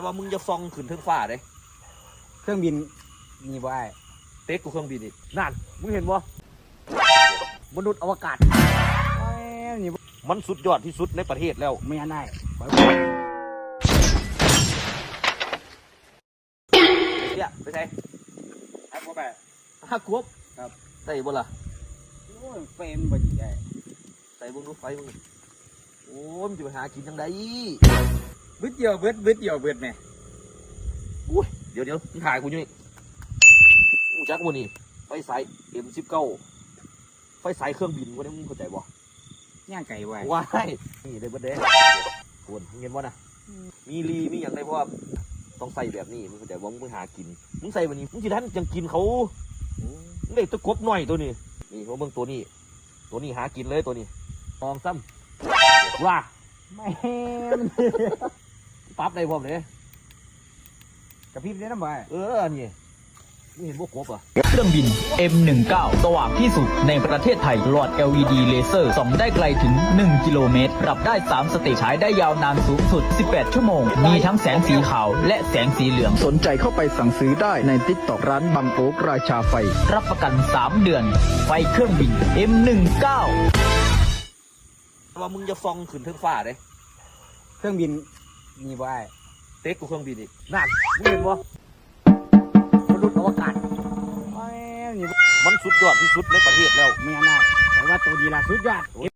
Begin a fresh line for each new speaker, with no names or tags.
ว่ามึงจะซองขึ้นเทิงฟ้าเด้
เครื่องบินมีบ่ไอ้
เต็กกูเครื่องบินอีกนั่นมึงเห็นบ่มนุษย์อวกาศ
นี่
มันสุดยอดที่สุดในประเทศแล้ว
ไม่อันได้
เนี่ยไปใช่
ครับผมไป
ฮักกบ
ครับ
ใส่บ่ล่ะ
โอ้ยเฟรมบ่ดีไอ้
ใส่เบิ่งดูไฟมึงโอ้ยมันจะไปหากินจังได
บึดเดียวเบิดแม่
อุ้ยเดี๋ยวมึงถ่ายกูอยู่นี่กูจักบ่นี่ไฟสาย M19 ไฟสายเครื่องบินบ่ได้มึงเข้าใจบ่
ย่างไก่ไว้
ว้ายนี่ได้เบิดเด้คุณเห็นบ่นะมีมีอย่างไรเพราะว่าต้องใส่แบบนี้มึงเข้าใจบ่มึงไปหากินมึงใส่แบบนี้มึงสิทันจังกินเขามึงได้ตะกบหน่อยตัวนี้นี่เพราะมึงตัวนี้หากินเลยตัวนี้มองซ้ำว่า
แม่
ปั๊บได้พร้อมเลย
กระพริบได้น้ำบ่
นี่มึงเห็นพวกกบอ่ะ
เครื่องบิน M19 สว่างที่สุดในประเทศไทยหลอด LED เลเซอร์ส่องได้ไกลถึง 1 กิโลเมตรปรับได้ 3 สเตจฉายได้ยาวนานสูงสุด 18 ชั่วโมง มีทั้งแสงสีขาวและแสงสีเหลือง
สนใจเข้าไปสั่งซื้อได้ในTikTokร้านบังโอ๊กราชาไฟ
รับประกัน 3 เดือน ไฟเครื่องบิน M19
ว่ามึงจะซองขึ้นเทิงฟ้าเด้
เครื่องบินมีบ่ไอ้
เต็กกูเครื่องบินอีกนั่นมึงเห็นบ่มนุษย์อวกาศ
นี่
มันสุดยอดที่สุดในประเทศแล้ว
ไม่อันได้แต่ว่าตัวดีล่ะสุดยอด